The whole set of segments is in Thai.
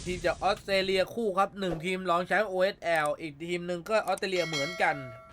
ทีมจากออสเตรเลียคู่ครับ1ทีมรองแชมป์ OSL อีกทีมหนึ่งก็ออสเตรเลียเหมือนกัน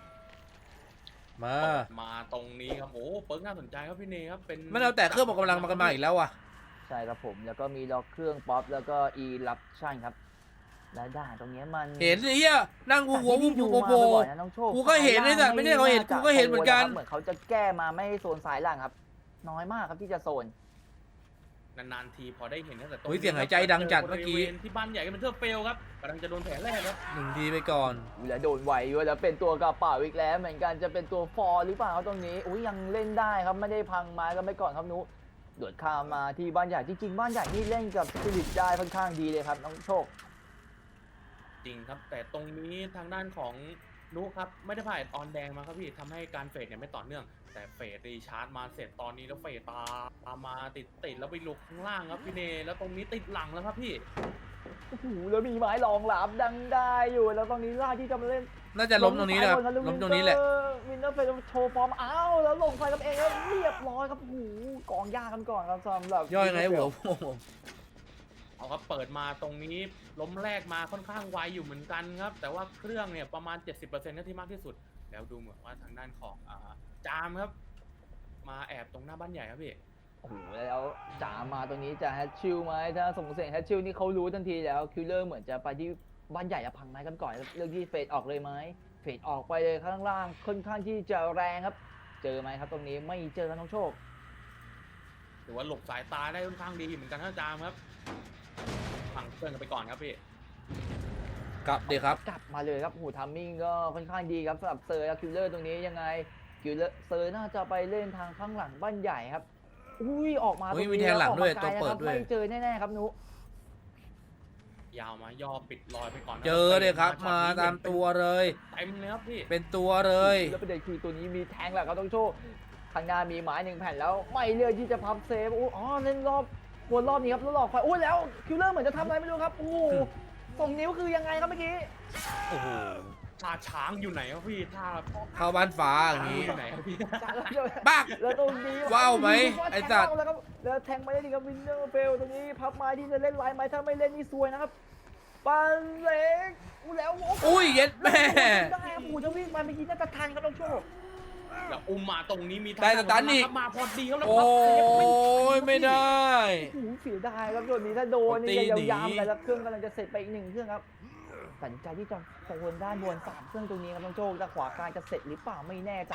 มาตรงนี้ครับโอ้เปิร์กน่าสนใจครับพี่เนครับเป็นไม่เอาแต่เครื่องออกกำลังมากันมาอีกแล้วอ่ะใช่ครับผมแล้วก็มีล็อกเครื่องป๊อปแล้วก็อีรับชั่นครับและด่านตรงนี้มันเห็นเฮียนั่งกูหัวกูโผล่กูก็เห็นไอ้สัตว์ไม่ใช่เขาเห็นกูก็เห็นเหมือนกันเหมือนเขาจะแก้มาไม่ให้โซนสายล่างครับน้อยมากครับที่จะโซนนานๆทีพอได้เห็นตั้งแต่ต้นเสียงหายใจดังจัดเมื่อกี้ที่บ้านใหญ่ก็เป็นเทอร์เฟลครับกำลังจะโดนแผลแรกครับ 1 ทีไปก่อนแล้วโดนไหวด้วยแล้วเป็นตัวกระเป๋าอีกแล้วเหมือนกันจะเป็นตัวฟอร์หรือเปล่าตรงนี้อุ้ยยังเล่นได้ครับไม่ได้พังไม้กันไปก่อนครับนุโดดข้ามมาที่บ้านใหญ่จริงๆบ้านใหญ่นี่เล่นกับสปิริตได้ค่อนข้างดีเลยครับน้องโชคจริงครับแต่ตรงนี้ทางด้านของนุครับไม่ได้ผ่านออนแดงมาครับพี่ทำให้การเฟดเนี่ยไม่ต่อเนื่องแต่เฟดรีชาร์จมาเสร็จตอนนี้แล้วเฟดตามมาติดแล้วไปลุกข้างล่างครับพี่เนแล้วตรงนี้ติดหลังแล้วครับพี่โอ้โหแล้วมีไม้รองหลับดังได้อยู่แล้วตรงนี้ล่าที่จะมาเล่นน่าจะล้มตรงนี้นะครับล้มตรงนี้แหละวินเนอร์เฟลโชว์ฟอร์มอ้าวแล้วลงไฟกับเองแล้วเรียบร้อยครับโอ้โหกองยากันก่อนครับสำหรับย่อยไงหัวเอาครับเปิดมาตรงนี้ล้มแรกมาค่อนข้างไวอยู่เหมือนกันครับแต่ว่าเครื่องเนี่ยประมาณ 70%นั่นที่มากที่สุดแล้วดูเหมือนว่าทางด้านของจามครับมาแอบตรงหน้าบ้านใหญ่ครับพี่โอ้โหแล้วจ๋ามาตรงนี้จะแฮชชิลไหมถ้าส่งเสียงแฮชชิลนี่เขารู้ทันทีแล้วคิลเลอร์เหมือนจะไปที่บ้านใหญ่จะพังไม้กันก่อนเรื่องที่เฟดออกเลยไหมเฟดออกไปเลยข้างล่างค่อนข้างที่จะแรงครับเจอไหมครับตรงนี้ไม่เจอครับน้องโชคถือว่าหลบสายตาได้ค่อนข้างดีเหมือนกันนะจามครับพังเครื่องกันไปก่อนครับพี่กลับดีครับกลับมาเลยครับหูทัมมิ่งก็ค่อนข้างดีครับสำหรับเซอร์และคิลเลอร์ตรงนี้ยังไงคิลเลอร์เซอร์น่าจะไปเล่นทางข้างหลังบ้านใหญ่ครับอุ้ยออกมาตรงนี้มีแทงหลังด้วยตัวเปิดด้วยไม่เจอแน่ๆครับนุยาวมาย่อปิดรอยไปก่อนเจอเลยครับมาตามตัวเลยเต็มเลยครับพี่เป็นตัวเลยแล้วประเด็นคือตัวนี้มีแทงแหละครับต้องโชว์ข้างหน้ามีไม้1 แผ่นแล้วไม่เลือกที่จะพับเซฟอ๋อเล่นวนรอบนี้ครับแล้วหลอกไฟโอ้ยแล้วคิลเลอร์เหมือนจะทำอะไรไม่รู้ครับโอ้โหส่งนิ้วคือยังไงครับเมื่อกี้โอ้โหท่าช้างอยู่ไหนครับพี่ท่าเข้าบ้านฟ้าอย่างนี้อยู่ไหนครับพี่บ้าแล้วตรงนี้ว้าวไหมไอ้สัตว์แล้วแทงไม่ได้ดีครับวินเนอร์เฟลตรงนี้พับไม้ที่จะเล่นไลน์ไม้ถ้าไม่เล่นนี่ซวยนะครับปันเล็กแล้วอุ้ยเย็ดแม่ได้ปู่จะวิ่งมาเมื่อกี้น่าจะทันครับต้องโชคแล้วอุ้มมาตรงนี้มีได้สตันอีกมาพอดีครับแล้วโอ้ยไม่ได้เสียดายครับส่วนนี้ถ้าโดนนี่ยาวๆไปแล้วเครื่องกำลังจะเสร็จไปอีก1 เครื่องครับตัดใจที่จะโซนด้านบน3 เครื่องตรงนี้ครับต้องโชคแต่ขวากลางจะเสร็จหรือเปล่าไม่แน่ใจ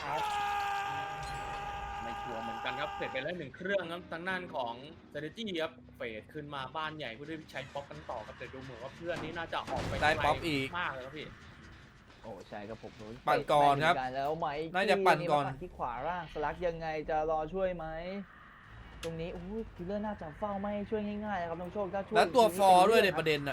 ไม่ชัวร์เหมือนกันครับเสร็จไปแล้ว1 เครื่องครับทางด้านของเซเนจี้ครับเฟดขึ้นมาบ้านใหญ่เพื่อใช้ป๊อปกันต่อครับแต่ดูเหมือนว่าเพื่อนนี้น่าจะออกไปได้ป๊อปอีกมากเลยครับพี่โอ้ใช่ครับผมปั่นก่อนครับแล้วไหมน่าจะปั่นก่อนที่ขวาล่างสลักยังไงจะรอช่วยไหมตรงนี้โอ้ยคิลเลอร์น่าจะเฝ้าไม่ช่วยง่ายๆครับน้องโชคถ้าช่วยแล้วตัวฟอร์ด้วยในประเด็นอะ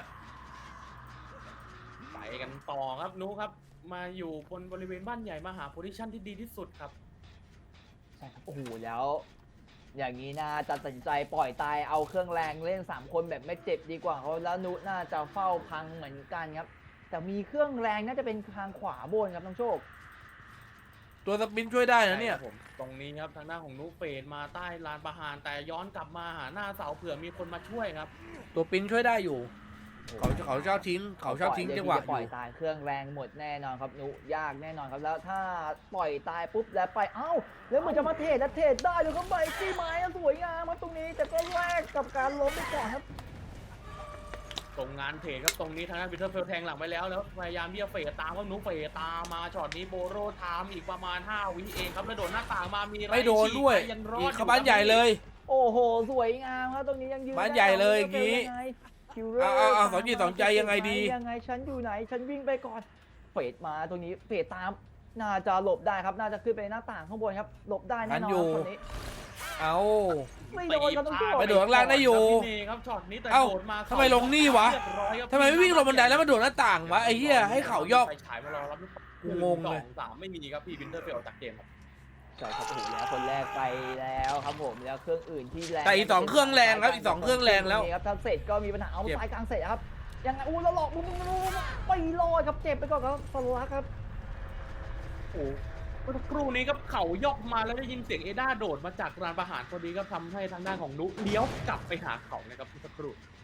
ไปกันต่อครับนุครับมาอยู่บนบริเวณบ้านใหญ่มาหาโพซิชั่นที่ดีที่สุดครับใช่ครับโอ้โหแล้วอย่างนี้น่าจะตัดสินใจปล่อยตายเอาเครื่องแรงเล่น3 คนแบบไม่เจ็บดีกว่าเขาแล้วนุน่าจะเฝ้าพังเหมือนกันครับแต่มีเครื่องแรงน่าจะเป็นทางขวาบนครับน้องโชคตัวสปินช่วยได้นะเนี่ยผมตรงนี้ครับทางหน้าของนุเฟดมาใต้ลานประหารแต่ย้อนกลับมาหาหน้าเสาเผื่อมีคนมาช่วยครับตัวปินช่วยได้อยู่เขาชอบทิ้งจังหวะปล่อยตายเครื่องแรงหมดแน่นอนครับนุยากแน่นอนครับแล้วถ้าปล่อยตายปุ๊บแล้วไปเอ้าแล้วมันจะมาเทรดและเทรดได้เลยครับใบจี้ไม้สวยงามครับตรงนี้แต่ก็แลกกับการล้มไปก่อนครับตรงงานเทรดครับตรงนี้ทางด้านวิเทอร์เฟลแทงหลังไปแล้วพยายามที่จะเฟดตามว่านุเฟดตามมาช็อตนี้โบโรไทม์อีกประมาณ5 วิเองครับแล้วโดนหน้าต่างมามีไม่โดนด้วยอีกบ้านใหญ่เลยโอ้โหสวยงามครับตรงนี้ยังยืนบ้านใหญ่เลยอย่างนี้สองจิตสองใจยังไงดียังไงฉันอยู่ไหนฉันวิ่งไปก่อนเฟดมาตรงนี้เฟดตามน่าจะหลบได้ครับน่าจะขึ้นไปหน้าต่างข้างบนครับหลบได้แน่นอนตรงนี้เอาไม่โดนครับต้องไปโดดข้างล่างได้อยู่เอ้าทำไมลงนี่วะทำไมไม่วิ่งลงบันไดแล้วมาโดดหน้าต่างวะไอ้เหี้ยให้เขาย่อฉายมารอรับงงเลย 3ไม่มีครับพี่วินเทอร์เฟลจากเกมครับใช่ครับถูกแล้วคนแรกไปแล้วครับผมแล้วเครื่องอื่นที่แรงแต่อีก2 เครื่องแรงครับอีก2 เครื่องแรงแล้วครับถ้าเสร็จก็มีปัญหาเอาสายกลางเสร็จครับยังไงแล้วหลอกไปรอดครับเจ็บไปก่อนครับสลักครับโอ้เมื่อครู่นี้ครับเขายกมาแล้วได้ยินเสียงเอด้าโดดมาจากลานประหารพอดีก็ทำให้ทางด้านของนุเลี้ยวกลับไปหาเขานะครับเมื่อครู่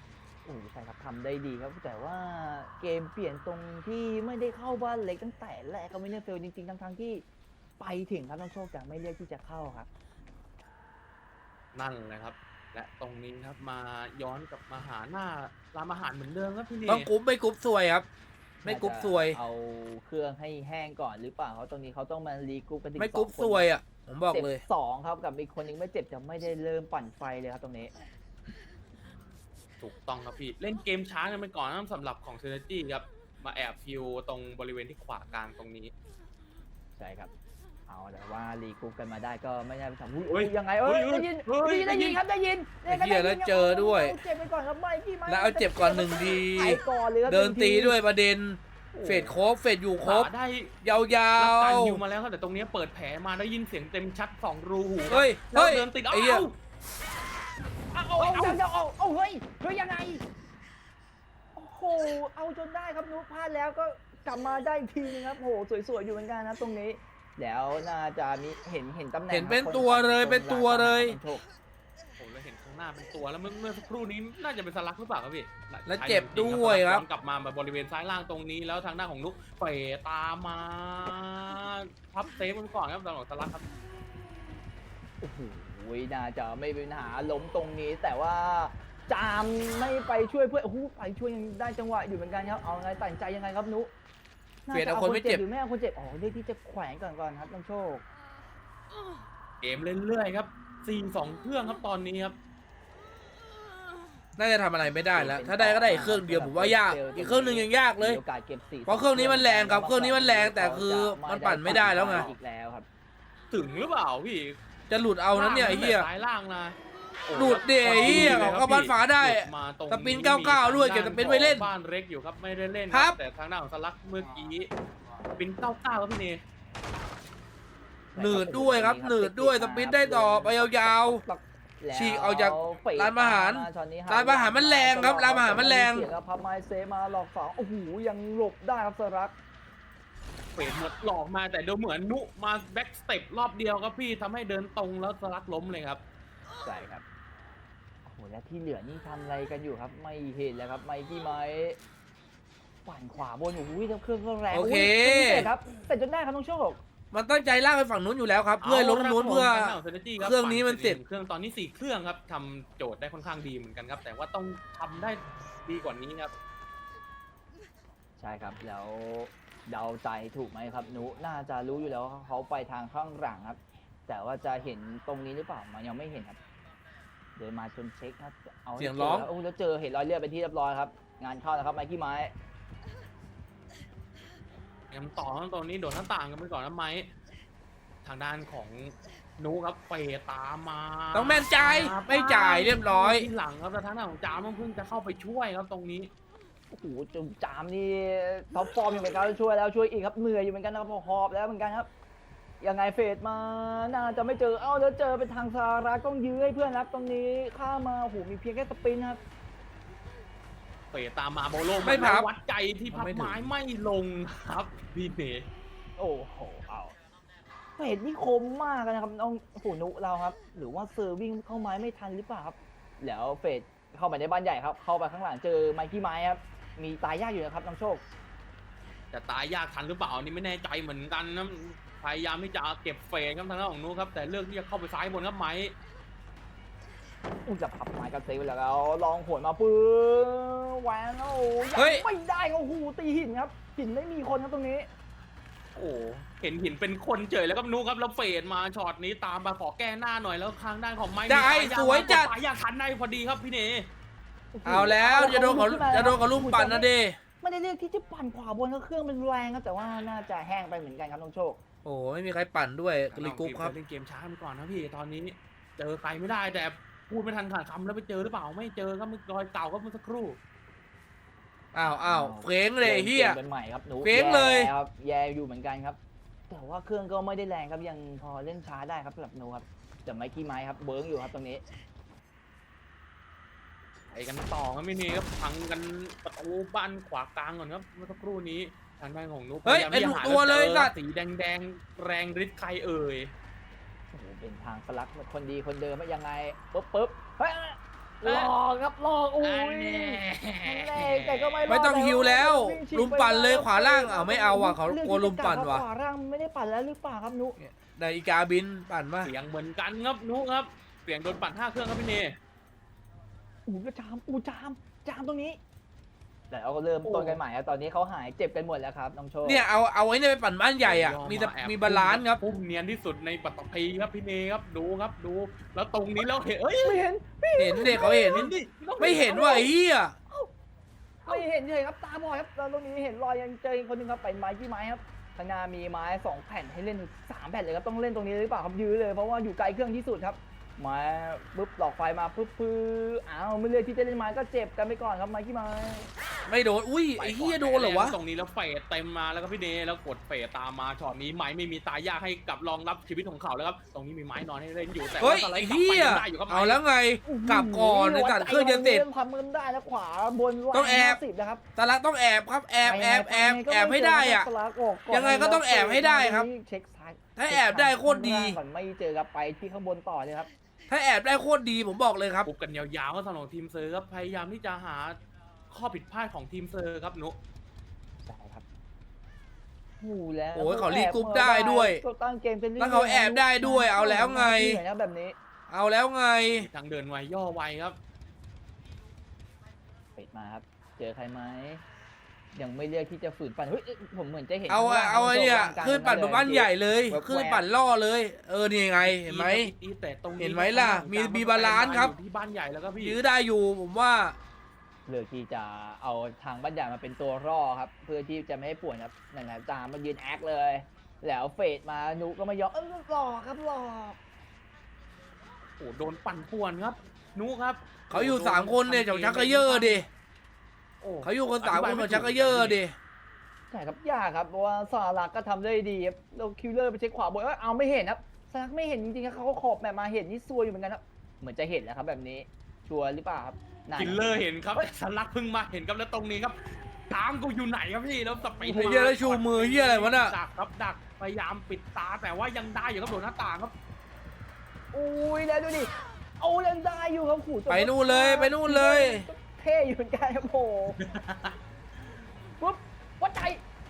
โอ้ใช่ครับทำได้ดีครับแต่ว่าเกมเปลี่ยนตรงที่ไม่ได้เข้าบ้านเล็กตั้งแต่แรกก็ไม่ได้เฟลจริงๆทั้งๆที่ไปถึงครับต้องโชคแต่ไม่เลือกที่จะเข้าครับนั่นแหละครับ และตรงนี้ครับมาย้อนกลับมาหาหน้าร้านอาหารเหมือนเดิมครับพี่เนต้องกรุ๊ปไม่กรุ๊ปซวยครับ ไม่กรุ๊ปซวยเอาเครื่องให้แห้งก่อนหรือเปล่าเขาตรงนี้เขาต้องมารีกรุ๊ปกันถึงไม่กรุ๊ป 2 ซวยอ่ะผมบอกเลยจ็บ2ครับกับอีกคนนึงไม่เจ็บจะไม่ได้เริ่มปั่นไฟเลยครับตรงนี้ถูกต้องครับพี่เล่นเกมช้ากันไปก่อนนะสำหรับของเซนจี้ครับมาแอบฟิวตรงบริเวณที่ขวากลางตรงนี้ใช่ครับเอาแต่ว่ารีกรุ๊ปกันมาได้ก็ไม่ได้ไปทำเฮ้อุ้ยยยังไงเฮ้ยได้ยินเฮ้ยได้ยินครับได้ยินไอ้เหี้ยแล้วเจอด้วยเอาเจ็บไปก่อนครับไม่พี่ไม่แล้วเอาเจ็บก่อน1 ทีไปก่อนเลยครับเดิน 1 ตีด้วยประเด็นโอ้เฟดครบเฟดอยู่ครบได้ยารับการวยิวมาแล้วครับแต่ตรงนี้เปิดแผลมาได้ยินเสียงเต็มชัด2 รูหูๆเฮ้ยแล้วเฮ้ยเดินติดไอ้เหี้ยเอาเฮ้ยยังไงโอ้โหเอาจนได้ครับนุ๊กพลาดแล้วก็กลับมาได้อีกทีนึงครับโอ้โหสวยๆอยู่เหมือนกันนะตรงนี้ แล้วน่าจะมีเห็นตำแหน่งเห็นเป็นครับตัวเลยคนเป็นตัวเลยโชคโอ้แล้วเห็นข้างหน้าเป็นตัวแล้วเมื่อสักครู่นี้น่าจะเป็นสลักหรือเปล่าครับพี่แล้วเจ็บด้วยครับย้อนกลับมาบริเวณซ้ายล่างตรงนี้แล้วทางด้านของนุ๊กเฟตามมาพับเซฟมันก่อนครับตอนของสลักครับโอ้โหน่าจะไม่เป็นปัญหาล้มตรงนี้ แต่ว่าจามไม่ไปช่วยเพื่อนโอ้โหไปช่วยยังได้จังหวะอยู่เหมือนกันครับเอาไงตัดสินใจยังไงครับนุ๊กเปลี่ยนเอาคนไม่เจ็บหรือไม่เอาคนเจ็บอ๋อเลือกที่จะแขวนก่อนครับน้องโชคเกมเรื่อยๆครับ4-2 เครื่องครับตอนนี้ครับน่าจะทำอะไรไม่ได้แล้ว ถ้าได้ก็ได้อีกเครื่องเดียวผมว่ายาก อีกเครื่องหนึงยังยากเลยมีโอกาสเก็บ4 เพราะเครื่องนี้มันแรงครับเครื่องนี้มันแรงแต่คือมันปั่นไม่ได้แล้วไงอีกแล้วครับถึงหรือเปล่าพี่จะหลุดเอานั้นเนี่ยไอ้เหี้ยซ้ายล่างนะโอ้หลุดดิไอ้เหี้ยลเขาบ้านฝาได้หลุมาตรงสปิน99ด้วยเก็บสปินไว้เล่นบ้านเล็กอยู่ครับไม่ได้เล่นครับแต่ทางด้านของสลักเมื่อกี้สปิน99ครับพี่เนหนืดด้วยครับหนืดด้วยสปินได้ต่อไปยาว ฉีกออกจากร้านอาหารร้านอาหารมันแรงครับร้านอาหารมันแรงเสียครับพับไม้เซมาหลอก2โอ้โหยังหลบได้ครับสรักเฟดหมดหลอกมาแต่ดูเหมือนนุมาแบ็กสเต็ปรอบเดียวครับพี่ทำให้เดินตรงแล้วสลักล้มเลยครับใช่ครับโอ้โหและที่เหลือนี่ทำอะไรกันอยู่ครับไม่เห็นแล้วครับไมกี้ไม้ปั่นขวาบนโอ้โหแล้วเครื่องก็แรงโอเคยเสร็จครับเสร็จจนได้ครับน้องโชคมันตั้งใจลากไปฝั่งนู้นอยู่แล้วครับ เพื่อให้ล้มนู้นเพื่อ เครื่องนี้มันเสร็จเครื่องตอนนี้4 เครื่องครับทำโจทย์ได้ค่อนข้างดีเหมือนกันครับ แต่ว่าต้องทำได้ดีกว่านี้ครับใช่ครับแล้วเดาใจถูกไหมครับนุน่าจะรู้อยู่แล้วว่าเขาไปทางข้างหลังครับ แต่ว่าจะเห็นตรงนี้หรือเปล่ามันยังไม่เห็นครับ เดินมาจนเช็คครับเอาให้เสียงร้องจแล้วโอ้แล้วเจอเห็นรอยเลือดเป็นที่เรียบร้อยครับงานเข้าแล้วครับไมกี้ไม้ยังต่อครับตอนนี้โดดหน้าต่างกันไปก่อนนะไม้ทางด้านของนุครับเฟดตามมาต้องแม่นใจายไม่จ่ายเรียบร้อยที่หลังครับแต่ทางด้านของจามเพิ่งจะเข้าไปช่วยครับตรงนี้โอ้โหจุ่มจามนี่ท็อปฟอร์มอยู่เหมือนกันช่วยแล้วช่วยอีกครับเหนื่อยอยู่เหมือนกันนะครับพอหอบแล้วเหมือนกันครับยังไงเฟดมาน่าจะไม่เจอเอ้าแล้วเจอเป็นทางซาร่าต้องยื้อให้เพื่อนครับตรงนี้ข้ามมาโอ้โหมีเพียงแค่สปินครับเฟดตามมาโบโลไม่พับวัดใจที่พับไม่ถึงไม้ไม่ลงครับพี่เนโอ้โหเอาเฟดนี่คมมากนะครับน้องโอ้โหนุเราครับหรือว่าเซอร์วิ่งเข้าไม้ไม่ทันหรือเปล่าครับแล้วเฟดเข้าไปในบ้านใหญ่ครับเข้าไปข้างหลังเจอไมกี้ไม้ครับมีตายยากอยู่นะครับน้องโชคแต่ตายยากทันหรือเปล่าอันนี่ไม่แน่ใจเหมือนกันนะพยายามที่จะเก็บเฟดครับทางด้านของนุครับแต่เลือกที่จะเข้าไปซ้ายบนครับไม้จะพับไม้กันเซฟแล้วลองโหนมาปื้อแหวนโอ้เฮ้ยไม่ได้โอ้โหตีหินครับหินไม่มีคนครับตรงนี้โอ้เห็นหินเป็นคนเฉยแล้วครับนุครับแล้วเฟดมาช็อตนี้ตามมาขอแก้หน้าหน่อยแล้วทางด้านของไม้ได้มีสวยจัดสายยากทันได้พอดีครับพี่เนเอาแล้วจะโดนเขาลุ่มปั่นนะเดไม่ได้เลือกที่จะปั่นขวาบนก็เครื่องเป็นแรงครับแต่ว่าน่าจะแห้งไปเหมือนกันครับน้องโชคโอ้ไม่มีใครปั่นด้วยรีกรุ๊ปครับเล่นเกมช้าไปก่อนนะพี่ตอนนี้เจอใครไม่ได้แต่พูดไม่ทันขาดคำแล้วไปเจอหรือเปล่าไม่เจอครับรอยเก่าก็เมื่อสักครู่อ้าวเฟ้งเลยเฮียเป็นใหม่ครับหนูเฟ้งเลยแครับแย่อยู่เหมือนกันครับ แต่ว่าเครื่องก็ไม่ได้แรงครับยังพอเล่นช้าได้ครับสำหรับหนูครับแต่ไมกี้ไม้ครับเบิ้งอยู่ครับตรงนี้ไปกันต่อครับพี่เนครับพังกันประตูบ้านขวากลางก่อนครับเมื่อสักครู่นี้ทางด้านของนุ๊กเฮ้ยพาามเป็นที่จะหาตัวเลยจอสัตว์สีแดงแรงฤทธิ์ใครเอ่ยโอ้โหเป็นทางสลักคนดีคนเดิมไม่ยังไงปึ๊บเฮ้ยหลอกครับหลอกอุ้ยแรงแต่ก็ไม่รอดไม่ต้องฮิวแล้ว ลุมปั่นเลยขวาล่างไม่เอาว่ะเขากลัวลุมปั่นว่ะขวาล่างไม่ได้ปั่นแล้วหรือเปล่าครับนุนาฬิกาบินปั่นมาเสียงเหมือนกันครับนุครับเสียงโดนปั่น5 เครื่องครับพี่เนก็จามตรงนี้แต่เราก็เริ่มต้นกันใหม่ครับตอนนี้เขาหายเจ็บกันหมดแล้วครับน้องโชคเนี่ยเอาไว้เนี่ยไปปั่นบ้านใหญ่อ่ะมีบาลานซ์ครับพุ่มเนียนที่สุดในปัตตภีครับพี่เนครับดูครับดูแล้วตรงนี้แล้วเห็นเอ้ยไม่เห็นเห็นเด็กเขาเห็นเห็นดิไม่เห็นว่าไอ้เหี้ยไม่เห็นเลยครับตาบอดครับแล้วตรงนี้เห็นรอยยังเจออีกคนหนึงครับเป็นไม้ที่ไม้ครับข้างหน้ามีไม้2 แผ่นให้เล่น3 แผ่นเลยครับต้องเล่นตรงนี้หรือเปล่าครับยื้อเลยเพราะว่าอยู่ไกลเครื่องที่สุดครับไม้ปุ๊บหลอกไฟมาปุ๊บอ้าวไม่เลือกที่จะเล่นไม้ก็เจ็บกันไปก่อนครับไม้ที่ไม้ไม่โดนอุ้ยไอ้เหี้ยโดนเหรอวะตรงนี้แล้วเฟดเต็มมาแล้วก็พี่เนแล้วกดเฟดตามมาช็อตนี้ไม้ไม่มีตายยากให้กับรองรับชีวิตของเขาแล้วครับตรงนี้มีไม้นอนให้เล่นอยู่แต่เฮ้ว่าย สไลไอ้ด์กลับเหี้ไปยยังได้อยู่ครับเอาแล้วไงกลับก่อนในตัดเครื่องจะเสร็จทำมันได้แล้วขวาบนต้องแอบ 10นะครับตาลักต้องแอบครับแอบให้ได้อ่ะ ยังไงก็ต้องแอบให้ได้ครับเช็คซ้ายถ้าแอบได้โคตรดีก่อนไม่เจอครับไปที่ข้างบนต่อเลยครับถ้าแอบได้โคตรดีผมบอกเลยครับปุบกันยาวๆก็สำหรับทีมเซอร์ครับพยายามที่จะหาข้อผิดพลาดของทีมเซอร์ครับนุใช่ครับโอ้แล้วโอ้ยเขารีกรุ๊ปได้ด้วยตั้งเกมเป็นรื่อยๆแล้วเขาแอบได้ด้วยเอาแล้วไงเหนื่อยนะแบบนี้เอาแล้วไงทางเดินไวย่อไวครับปิดมาครับ เจอใครไหมยังไม่เลือกที่จะฝืนปั่นเฮ้ยผมเหมือนจะเห็นเอาข้งล่งเอาไอ้เนี่ยข้างล่างขึ้นปั่นบ้านใหญ่เลยแว๊บๆขึ้นปั่นล่อเลย นี่ไงเห็นไหมแต่ตรงนี้เห็นไหมล่ะมีบาลานซ์ครับอยู่ที่บ้านใหญ่แล้วก็พี่ยื้อได้อยู่ผมว่าเลือกที่จะเอาทางบ้านใหญ่มาเป็นตัวร่อครับ เพื่อที่จะไม่ให้ป่วนครับนั่นแหละจามมายืนแอคเลย แล้วเฟดมานุก็ไม่ยอมหลอกครับหลอกโอ้โดนปั่นป่วนครับนุครับเขาอยู่3 คนเนี่ยจากชักกระเยอะดิโอ้เขาอยู่กัน3 คนของชักกระเยอะดิใช่ครับยากครับเพราะว่าสารักก็ทำได้ดีครับเราคิวเลอร์ไปเช็คขวาบนเอาไม่เห็นครับสารักไม่เห็นจริงๆครับเขาก็ขอบแบบมาเห็นนี่ซวยอยู่เหมือนกันครับเหมือนจะเห็นแล้วครับแบบนี้ชัวร์หรือเปล่าครับนั่นคิลเลอร์เห็นครับสลักเพิ่งมาเห็นครับแล้วตรงนี้ครับตามกูอยู่ไหนครับพี่แล้วสปีดเฮียแล้วชูมือเฮียอะไรวะน่ะดักครับดักพยายามปิดตาแต่ว่ายังได้อยู่ครับโดนหน้าต่างครับอุ้ยแล้วดูดิเอาเล่นได้อยู่ครับขู่ไปนู่นเลยไปนู่นเลยเท่อยู่เหมือนกันครับโหปุ๊บวัดใจ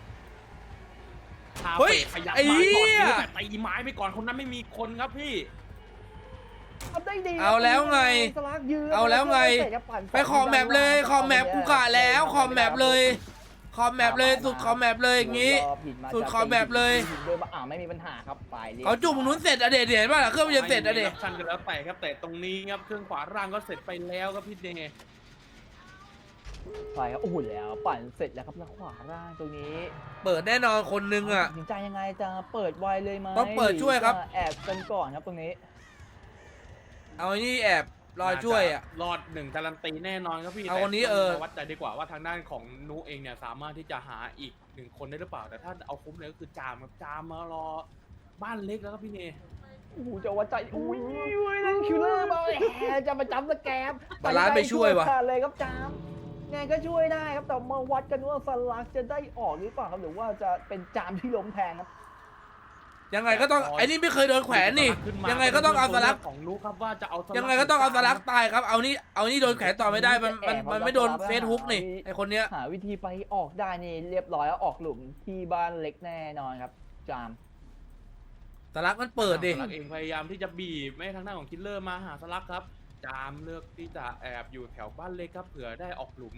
คาเฮ้ยเฟ่ขยับไอ้มาเหี้ก่อนยนี้แต่ตีไม้ไปก่อนคนนั้นไม่มีคนครับพี่ทำได้ดีเอาแล้วไงสลักยืนเอาแล้วไง ไปขอบแมปเลยขอบแมปกูกะแล้วขอบแมปเลยขอบแมปเลยสุดขอบแมปเลยอย่างงี้ สุดขอบแมปเลยเดินมาไม่มีปัญหาครับไปเลยเขาจุ่มนู้นเสร็จอะเดชเห็นป่ะล่ะเครื่องมันจะเสร็จอะเดชไม่มีชันกันแล้วแต่ครับแต่ตรงนี้ครับเครื่องขวาร่างก็เสร็จไปแล้วครับพี่เดย์ไปครับโอ้โหแล้วปั่นเสร็จแล้วครับแล้วขวาล่างตรงนี้เปิดแน่นอนคนนึงอะตัดสินใจยังไงจะเปิดไวเลยไหมต้องเปิดช่วยครับหอจะแอบกันก่อนครับตรงนี้เอาไอ้นี่แอบรอช่วยอะรอด1การันตีแน่นอนครับพี่เอาคนนี้แต่เออวัดใจดีกว่าว่าทางด้านของนุเองเนี่ยสามารถที่จะหาอีก1 คนได้หรือเปล่าแต่ถ้าเอาคุ้มเลยก็คือจามครับจามมารอบ้านเล็กแล้วครับพี่เนโอ้โหจะวัดใจอุ้ยนั่นคิวเลอร์มาแหมจะมาจับสแกมบาลานซ์ไปช่วยวะเลยครับจามไงก็ช่วยได้ครับแต่มาวัดกันว่าสลักจะได้ออกหรือเปล่าครับหรือว่าจะเป็นจามที่ล้มแทนครับยังไงก็ต้องไอ้นี่ไม่เคยโดนแขวนนี่ ยังไงก็ต้องเอาสลักของนุครับว่าจะเอาสลักยังไงก็ต้องเอาสลักตายครับเอานี่โดนแขวนต่อไม่ได้มันไม่โดนเฟซฮุกนี่ไอคนเนี้ยหาวิธีไปออกได้นี่เรียบร้อยแล้วออกหลุมที่บ้านเล็กแน่นอนครับจามสลักมันเปิดดิสลักเองพยายามที่จะบีบไม่ให้ทางด้านของคิลเลอร์มาหาสลักครับจามเลือกที่จะแอบอยู่แถวบ้านเล็กครับเผื่อได้ออกหลุม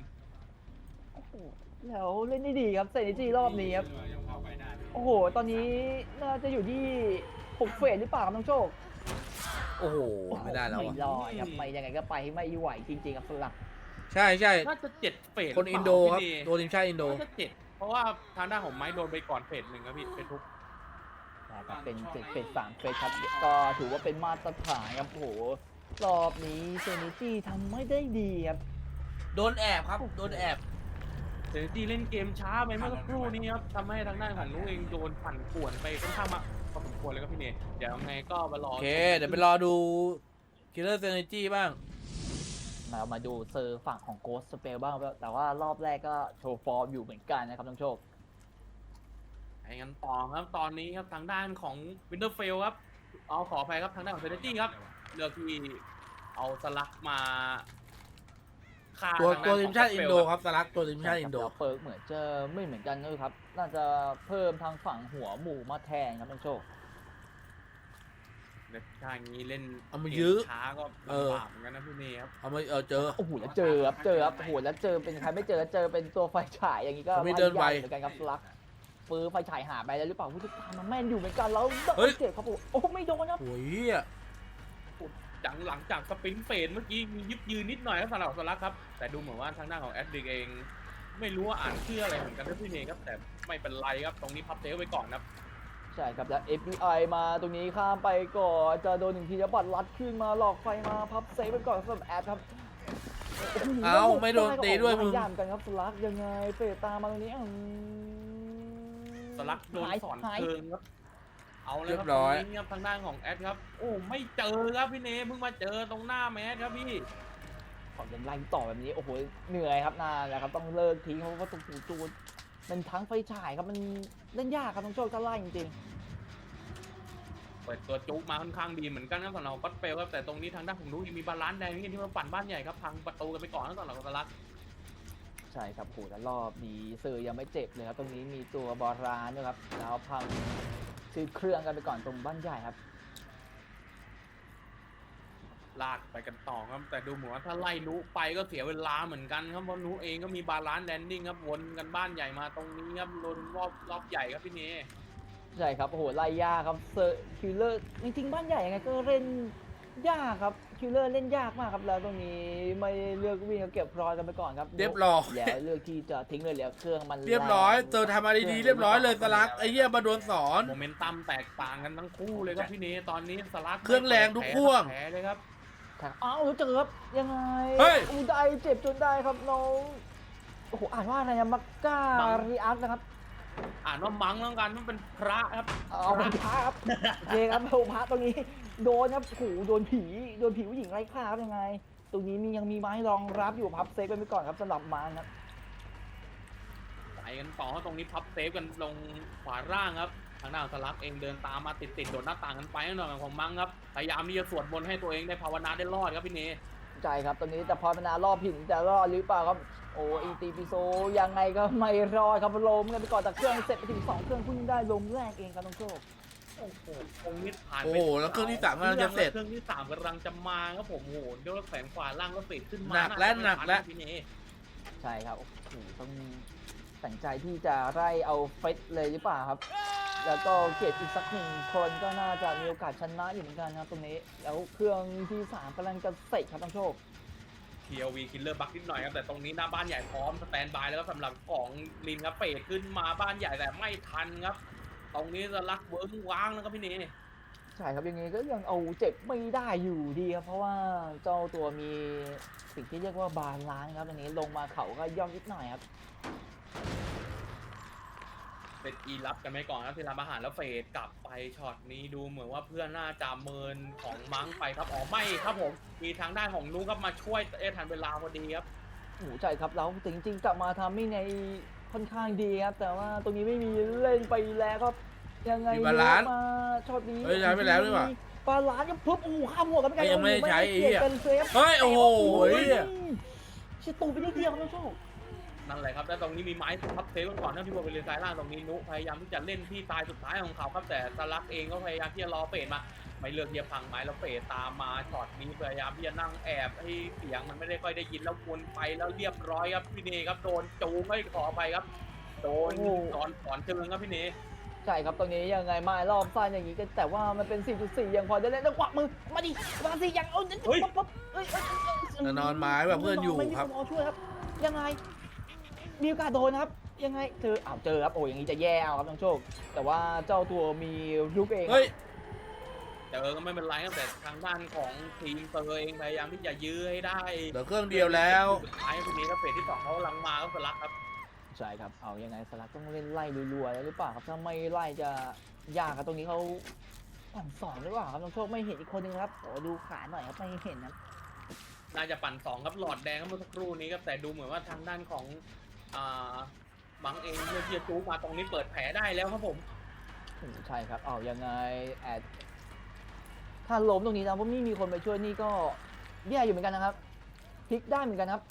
แล้วเล่นได้ดีครับเซนิจีรอบนี้ครับโอ้โหตอนนี้น่าจะอยู่ที่6 เฟสหรือเปล่าครับน้องโชคโอ้โหไม่ได้แล้วไม่อะรอดครับไม่ยังไงก็ไปไม่ไหวจริงๆครับสลักใช่ใช่น่าจะ7 เฟสคนอินโดครับโดนทีมชาติอินโดน่าจะ7เพราะว่าทางด้านของไม้โดนไปก่อนเฟส1ครับพี่เฟสทุกนะครับเป็นเฟส3 เฟสครับก็ถือว่าเป็นมาตรฐานครับโอ้โหรอบนี้เซนิจีทำไม่ได้ดีครับโดนแอบครับโดนแอบเซนจีเล่นเกมช้าไปเมื่อสักครู่นี้ครับทำให้ทางด้านของนุ้งเองโดนปั่นป่วนไปค่อนข้างมากพอสมควรเลยครับพี่เนยเดี๋ยวยังไงก็มารอโอเคเดี๋ยวไปรอดู Killer Synergy บ้างมาดูเซอร์ฝั่งของโกสสเปลบ้างครับแต่ว่ารอบแรกก็โชว์ฟอร์มอยู่เหมือนกันนะครับน้องโชคไปกันต่อครับตอนนี้ครับทางด้านของวินเทอร์เฟลครับเอาขออภัยครับทางด้านของเซนจีครับเลือกที่เอาสลักมาฆ่าตัวทางด้านทีขมองชาติเฟอินลโดครับครับสลักตัวทีมชาติอินโดแล้วเปิร์กเหมือนจะไม่เหมือนกันนะครับ น่าจะเพิ่มทางฝั่งหัวหมูมาแทนครับน้องโชคถ้าอย่างนี้เล่นเอามายื้อกช้าก็ลำบากเหมือนกันนะพี่เนครับเอามาเจอโอ้โหแล้วเจอครับโอ้โหแล้วเจอเป็นใครไม่เจอแล้วเจอเป็นตัวไฟฉายอย่างนี้ก็ไม่เดินไวยากเหมือนกันครับสลักปืนไฟฉายหาไปแล้วหรือเปล่าผู้ติดตามมันแม่นอยู่เหมือนกันแล้วเฮ้ยเจ็บครับผมโอ้ไม่โดนครับโอ้ยอะหลังจากสปรินต์เฟสเมื่อกี้มียึบยืนนิดหน่อยครับสำหรับสลักครับแต่ดูเหมือนว่าทางด้านของแอดดิกเอง ไม่รู้ว่าอ่านชื่ออะไรเหมือนกันนะพี่เนครับแต่ไม่เป็นไรครับตรงนี้พับเซฟไว้ก่อนครับใช่ครับแล้ว FBI มาตรงนี้ข้ามไปก่อนจะโดนหนึ่งทีแล้วบัตรลัดขึ้นมาหลอกไฟมาพับเซฟไปก่อนสำหรับแอดครับเอ้าไม่โดนตีด้วยมึงยามกันครับสลักยังไงเฟรตามมาตรงนี้สลักโดนสอนหายเชิงครับ เอาเลยเรีคยรับบ ร้อยตรงนี้ครับทางด้านของแอดครับ โอ้ไม่เจอครับพี่เนเพิ่งมาเจอตรงหน้าแมสครับพี่ขอยังไล่ต่อแบบนี้โอ้โหเหนื่อยครับนานแล้วครับต้องเลิกทิ้งเพราะว่าตรงจูดมันทั้งไฟฉายครับมันเล่นยากครับต้องโชคจะไล่จริงเปิดตัวจุกมาค่อนข้างดีเหมือนกันครับสำหรับก็อตเฟลครับแต่ตรงนี้ทางด้านของนุ้ยมีบาลานซ์แดงนี่ที่มาปั่นบ้านใหญ่ครับพังประตูกันไปก่อนแล้วสำหรับสลักๆใช่ครับโหแล้วรอบนี้เซอร์ยังไม่เจ็บเลยครับตรงนี้มีตัวบอรานด้วยครับแล้วพังซื้อเครื่องกันไปก่อนตรงบ้านใหญ่ครับลากไปกันต่อครับแต่ดูเหมือนว่าถ้าไล่นุไปก็เสียเวลาเหมือนกันครับเพราะนุเองก็มีบาลานซ์แลนดิ้งครับวนกันบ้านใหญ่มาตรงนี้ครับลนรอบใหญ่ครับพี่เนใช่ครับโอ้โหไล่ยากครับเซอร์คิลเลอร์จริงๆบ้านใหญ่ยังไงก็เล่นยากครับคิลเลอร์เล่นยากมากครับแล้วตรงนี้ไม่เลือกวิ่งก็เก็บรอยกันไปก่อนครับเรียบร้อยแล้วเลือกที่จะทิ้งเลยแล้วเครื่องมันเรียบร้อยแงเจอทำมาดีๆเรียบร้อยเลยสลักไอ้เหี้ยมาโดนสอนโมเมนตัมแตกต่างกันทั้งคู่เลยครับพี่เนตอนนี้สลักเครื่องแรงทุกพ่วงแผลเลยครับครับอ้าวเจอครับยังไงเฮ้ยอูไดเจ็บจนได้ครับน้องโอ้โหอ่านว่าอะไรนะมักกามังริอักนะครับอ่านว่ามังแล้วกันมันเป็นพระครับเอาเป็นพระครับโอเคครับโอ้พระตรงนี้โดนครับโอ้โหโดนผีผู้หญิงไล่ฆ่าครับยังไง ตรงนี้ยังมีไม้รองรับอยู่พับเซฟไปก่อนครับสำหรับมังครับไปกันต่อตรงนี้พับเซฟกันลงขวาล่างครับทางด้านสลักเองเดินตามมาติดโดดหน้าต่างกันไปหน่อยของมังครับพยายามที่จะสวดมนต์ให้ตัวเองได้ภาวนาได้รอดครับพี่เนใช่ครับตอนนี้แต่พอพนารอบหินจะรอดหรือเปล่าครับโอ้อีตีปิโซยังไงก็ไม่รอดครับล้มกันไปก่อนแต่เครื่องเสร็จไปถึง2เครื่องเพิ่งได้ลมแรกเองครับน้องโชคโอ้โหตรงนี้ผ่านโอ้ไปโหแล้วเครื่องที่สามกำลังจะเสร็จเครื่องที่สามกำลังจะมาครับผมโอ้โหเดี๋ยวแสงขวาล่างก็เฟดขึ้นมาหนักแล้วาจะไม่หนักแล้วทัพี่เนใช่ครับโอ้โหต้องตัดใจที่จะไล่เอาเฟสเลยหรือเปล่าครับ แล้วก็เก็บอีกสักหนึ่งคนก็น่าจะมีโอกาสชนะอยู่เหมือนกันครับตรงนี้แล้วเครื่องที่3กำลังจะเสร็จครับน้องโชค TLV Killer บักนิดหน่อยครับแต่ตรงนี้หน้าบ้านใหญ่พร้อมสแตนบายแล้วก็สำหรับของลินครับเฟดขึ้นมาบ้านใหญ่แต่ไม่ทันครับ ตรงนี้จะลักเวิร์กว้างแล้วครับพี่เนใช่ครับยังไงก็ยังเอาเจ็บไม่ได้อยู่ดีครับเพราะว่าเจ้าตัวมีสิ่งที่เรียกว่าบาลานซ์ครับตรงนี้ลงมาเขาก็ย่อมนิดหน่อยครับเป็นอีรับกันไปก่อนครับที่ร้านอาหารแล้วเฟดกลับไปช็อตนี้ดูเหมือนว่าเพื่อนน่าจะเมินของมังไปครับอ๋อไม่ครับผมมีทางด้านของนุครับมาช่วยทันเวลาพอดีครับโอ้โหใช่ครับแล้วจริงๆกลับมาทำมิ่งในค่อนข้างดีครับแต่ว่าตรงนี้ไม่มีเล่นไปแล้วครับยังไงมีบาลานซ์มาช็อตนี้เฮ้ยใช้ไปแล้วนี่หว่าบาลานซ์ยังปุ๊บโอ้โหข้ามหัวกันไปยังไม่ได้ใช้เปลี่ยนเป็นเซฟเฮ้ยโอ้โหชิตูไปนิดเดียวครับน้องโชคนั่นแหละครับแล้วตรงนี้มีไม้ทับเซฟกันก่อนนะที่บริเวณซ้ายล่างตรงนี้นุพยายามที่จะเล่นที่ตายสุดท้ายของเขาครับแต่สลักเองก็พยายามที่จะรอเฟดมาไม่เลือกที่จะพังไม้แล้วเฟดตามมาช็อตนี้พยายามที่จะนั่งแอบให้เสียงมันไม่ได้ค่อยได้ยินแล้ววนไปแล้วเรียบร้อยครับพี่เนครับโดนจูงไม่ขอไปครับโดนสอนเชิงครับพี่เนใช่ครับตรงนี้ยังไงมารอบสั้นอย่างนี้กันแต่ว่ามันเป็น 4.4 ยังพอได้เล่นแล้วกวักมือมาดิมาสิยังเอาปั๊บเอ้ยแต่นอนไม้แบบเพื่อนอยู่ไม่มีครับนช่วยครับยังไงมีโอกาสโดนครับยังไงเจอครับโอ้อย่างนี้จะแย่เอาครับน้องโชค แต่ว่าเจ้าตัวมีลูกเองเฮ้ยเจอก็ไม่เป็นไรครับแต่ทางด้านของทีมเตอร์เองพยายามที่จะยื้อให้ได้เหลือเครื่องเดียวแล้วสุดท้ายพี่เนครับเฟดที่2เขากำลังมาก็สลักครับใช่ครับเอายังไงสลักต้องเล่นไล่รัวๆแล้วหรือเปล่าครับถ้าไม่ไล่จะยากครับตรงนี้เขาปั่นสองหรือเปล่าครับน้องโชคไม่เห็นอีกคนนึงครับโอ้ดูขาหน่อยครับไม่เห็นนะน่าจะปั่น2ครับหลอดแดงครับเมื่อสักครู่นี้ครับแต่ดูเหมือนว่าทางด้านของบังเองเลือกที่จะจู๊มาตรงนี้เปิดแผลได้แล้วครับผมใช่ครับเอายังไงแอดถ้าล้มตรงนี้นะว่าไม่มีคนไปช่วยนี่ก็แย่อยู่เหมือนกันนะครับพลิกได้เหมือนกันครับ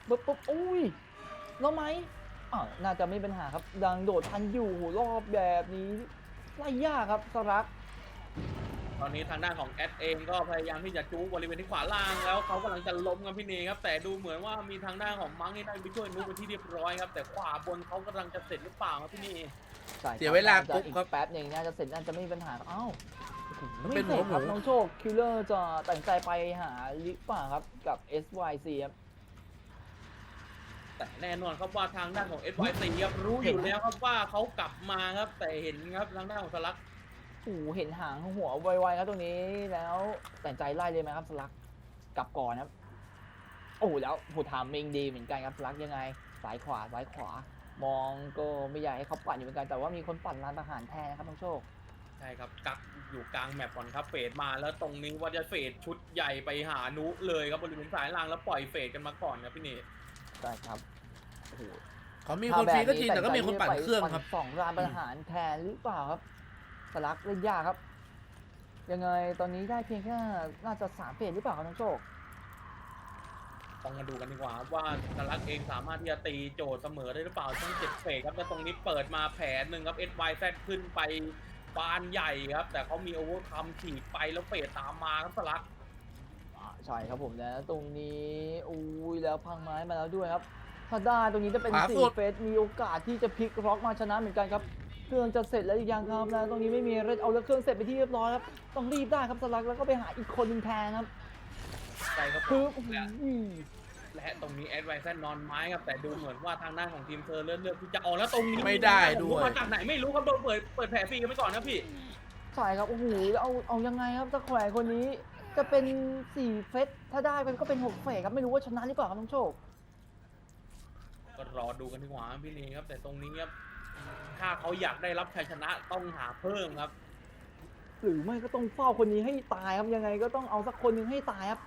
ปุ๊บอุ้ยแล้วไหมน่าจะไม่เป็นปัญหาครับดังโดดทันอยู่รอบแบบนี้ไล่ยากครับสลักตอนนี้ทางด้านของแอดเองก็พยายามที่จะจู๊บริเวณที่ขวาล่างแล้วเขากำลังจะล้มครับพี่เนครับแต่ดูเหมือนว่ามีทางด้านของมังนี่ได้ไปช่วยนุ๊กเป็นที่เรียบร้อยครับแต่ขวาบนเขากำลังจะเสร็จหรือเปล่าครับพี่เนใช่ครับเสียเวลาน่จะปุ๊บอีกครับแป๊บหนึ่งน่าจะเสร็จน่าจะไม่มีปัญหาครับอ้าวมันไม่เป็นเสร็จครับหมูน้องโชคคิลเลอร์จะตัดสินใจไปหาหรือเปล่าครับกับ SYC ครับแต่แน่นอนครับว่าทางด้านของ SYC ครับรู้อยู่แล้วครับว่าเขากลับมาครับแต่เห็นครับทางด้านของสลักโอ้โหเห็นหางหัวไวๆครับตรงนี้แล้วตัดสินใจไล่เลยไหมครับสลักกลับก่อนครับโอ้โหแล้วโหทามมิงดีเหมือนกันครับสลักยังไงซ้ายขวามองก็ไม่อยากให้เขาปั่นอยู่เหมือนกันแต่ว่ามีคนปั่นร้านอาหารแทนนะครับน้องโชคใช่ครับกักอยู่กลางแมปก่อนครับเฟดมาแล้วตรงนี้ว่าจะเฟดชุดใหญ่ไปหานุเลยครับบริเวณสายล่างแล้วปล่อยเฟดกันมาก่อนครับพี่เนใช่ครับโอ้โหเขามีคนฟรีก็จริงแต่ก็มีคนปั่นเครื่องครับสองร้านอาหารแทนหรือเปล่าครับสลักเล่นยากครับ ยังไงตอนนี้ได้เพียงแค่น่าจะ3 เฟสหรือเปล่าครับน้องโชคต้องมาดูกันดีกว่าครับว่าสลักเองสามารถที่จะตีโจทย์เสมอได้หรือเปล่าทั้ง7เฟสครับแล้วตรงนี้เปิดมาแผนหนึ่งครับ SYZ ขึ้นไปบานใหญ่ครับแต่เขามีโอเวอร์คัมฉีกไปแล้วเฟสตามมาครับสลักใช่ครับผมนะตรงนี้อุ้ยแล้วพังไม้มาแล้วด้วยครับถ้าได้ตรงนี้จะเป็นขวาสุด 4 เฟสมีโอกาสที่จะพลิกล็อกมาชนะเหมือนกันครับเครื่องจะเสร็จแล้วอีกอย่างครับแล้วตรงนี้ไม่มีเรดเอาแล้วเครื่องเสร็จไปที่เรียบร้อยครับต้องรีบได้ครับสลักแล้วก็ไปหาอีกคนหนึงแทนครับใช่ครับคือโอ้โหและตรงนี้ SYZ นอนไม้ครับแต่ดูเหมือนว่าทางด้านของทีมเธอเลือกที่จะออกแล้วตรงนี้ไม่ได้ด้วยมาจากไหนไม่รู้ครับโดนเปิดแผลฟรีกันไปก่อนนะพี่ใช่ครับโอ้โหเอายังไงครับตะแขวงคนนี้จะเป็น4 เฟสถ้าได้มันก็เป็น6 เฟสครับไม่รู้ว่าชนะหรือเปล่าครับน้องโชคก็รอดูกันดีกว่าครับพี่นีครับแต่ตรงนี้ครับถ้าเขาอยากได้รับชัยชนะต้องหาเพิ่มครับหรือไม่ก็ต้องเฝ้าคนนี้ให้ตายครับยังไงก็ต้องเอาสักคนหนึ่งให้ตายครับ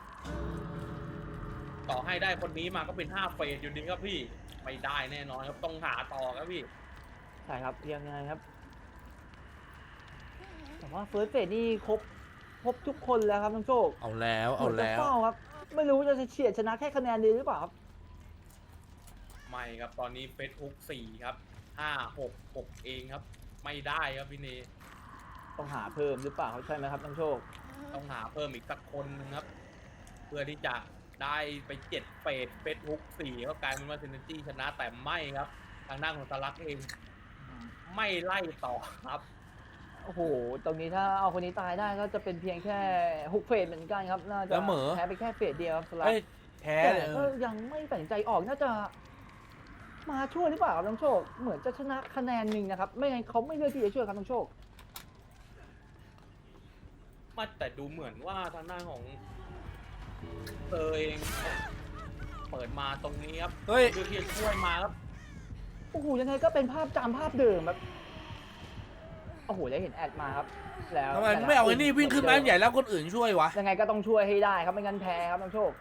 ต่อให้ได้คนนี้มาก็เป็น5เฟสอยู่ดีครับพี่ไม่ได้แน่นอนครับต้องหาต่อครับพี่ใช่ครับยังไงครับแต่ว่าเฟิร์สเฟสนี่ครบทุกคนแล้วครับน้องโชคเอาแล้วเหเอามือนจะแล้วเฝ้าครับไม่รู้จะเฉียดชนะแค่คะแนนเดียวหรือเปล่าครับไม่ครับตอนนี้เฟสฮุก4ครับ5-6-6เองครับไม่ได้ครับพี่นีต้องหาเพิ่มหรือเปล่าครับใช่ไหมครับน้องโชคต้องหาเพิ่มอีกสักคนนึงครับเพื่อที่จะได้ไป7เฟสฮุก4ก็กลายเป็นว่าเซนจี้ชนะแต่ไม่ครับทางด้านของสลักเองไม่ไล่ต่อครับโอ้โหตรงนี้ถ้าเอาคนนี้ตายได้ก็จะเป็นเพียงแค่6 เฟสเหมือนกันครับน่าจะแล้วเหมอแพ้ไปแค่เฟสเดียวครับสลับเอ้ยแพ้แต่เลยก็ยังไม่ตัดสินใจออกน่าจะมาช่วยหรือเปล่าครับน้องโชค เหมือนจะชนะคะแนนหนึ่งนะครับ ไม่งั้นเขาไม่เลือกที่จะช่วยครับน้องโชคมาแต่ดูเหมือนว่าทางด้านของเธอเองเปิดมาตรงนี้ครับเฮ้ยดูที่จะช่วยมาครับโอ้โหยังไงก็เป็นภาพจำภาพเดิมครับโอ้โหได้เห็นแอดมาครับ แล้วทำไมไม่เอาไอ้นี่วิ่งขึ้นมาใหญ่แล้วคนอื่นช่วยวะยังไงก็ต้องช่วยให้ได้ครับไม่งั้นแพ้ครับน้องโชค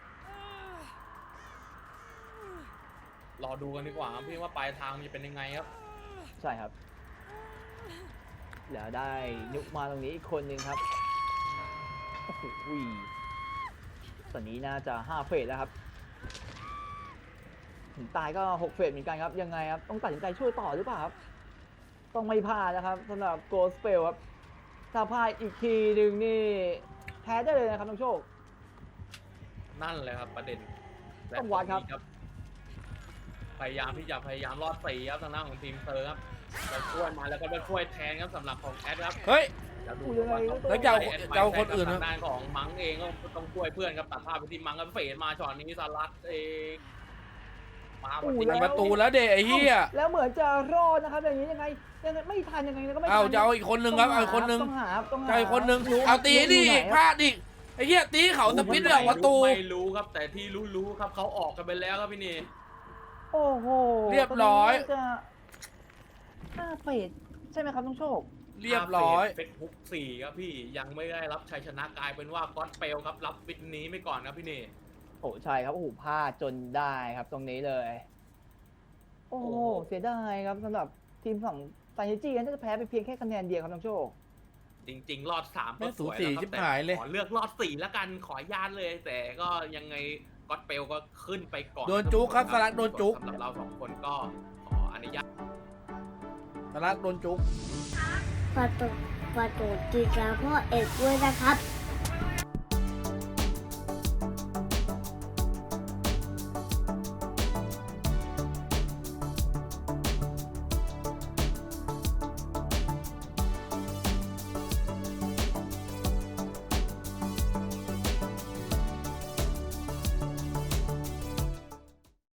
รอดูกันดีกว่าครับพี่ว่าปลายทางมันจะเป็นยังไงครับใช่ครับ แล้วได้นุกมาตรงนี้อีกคนหนึ่งครับโอ้โหตอนนี้น่าจะ5 เฟสแล้วครับถึงตายก็6 เฟสเหมือนกันครับยังไงครับต้องตัดสินใจช่วยต่อหรือเปล่าครับต้องไม่พลาดนะครับสำหรับโกลสเปลครับถ้าพลาดอีกทีหนึ่งนี่แพ้ได้เลยนะครับน้องโชคนั่นเลยครับประเด็นและต้องวัดครับตงนี้พยายามรอดสีครับทางด้านของทีมเธอครับจะช่วยมาแล้วก็จะช่วยแทนครับสำหรับของแอดครับเฮ้ยแล้วดูยังไงก็ต้องแล้วจะเอาแอดจะเอาคนอื่นทางด้านของมังเองก็ต้องช่วยเพื่อนครับตัดภาพไปที่มังครับเฟดมาช็อตนี้สลัดเองมาพอดีแล้มีวประตูแล้วเดะไอ้เหี้ยแล้วเหมือนจะรอดนะครับอย่างนี้ยังไงไม่ทันยังไงก็ไม่ทันเอาจะเอาอีกคนนึงครับเอาอีกคนนึงต้องหาต้องหาจะเอาอีกคนนึงเอาตีดิพลาดดิไอ้เหี้ยตีเขาสปินออกประตูไม่รู้ครับแต่ที่รู้ครับเขาออกกันไปแล้วครับพี่นี่โอ้โหเรียบร้อยตนนี้น่าจะ5 เฟสใช่ไหมครับน้องโชคเรียบร้อยเป็นฮุก4ครับพี่ยังไม่ได้รับชัยชนะกลายเป็นว่าก็อตเปลครับรับวินนี้ไม่ก่อนครับพี่นี่โอ้ใช่ครับโอ้โหพลาดจนได้ครับตรงนี้เลย โอ้โหเสียดายครับสำหรับทีมฝั่งไซเนจี้น่าจะแพ้ไปเพียงแค่คะแนนเดียวครับน้องโชคจริงๆรอด3ก็แม่งสวยสูสีแล้วคชิรับบ หายเลยขอเลือกรอด4แล้วกันขออนุญาตเลย แต่ก็ยังไงก็อตเปลก็ขึ้นไปก่อนโดนจุกครับสลักโดนจุกสำหรับเรา2คนก็ขออนุญาตสลักโดนจุกฝากกดติดตามพ่อเอกด้วยนะครับ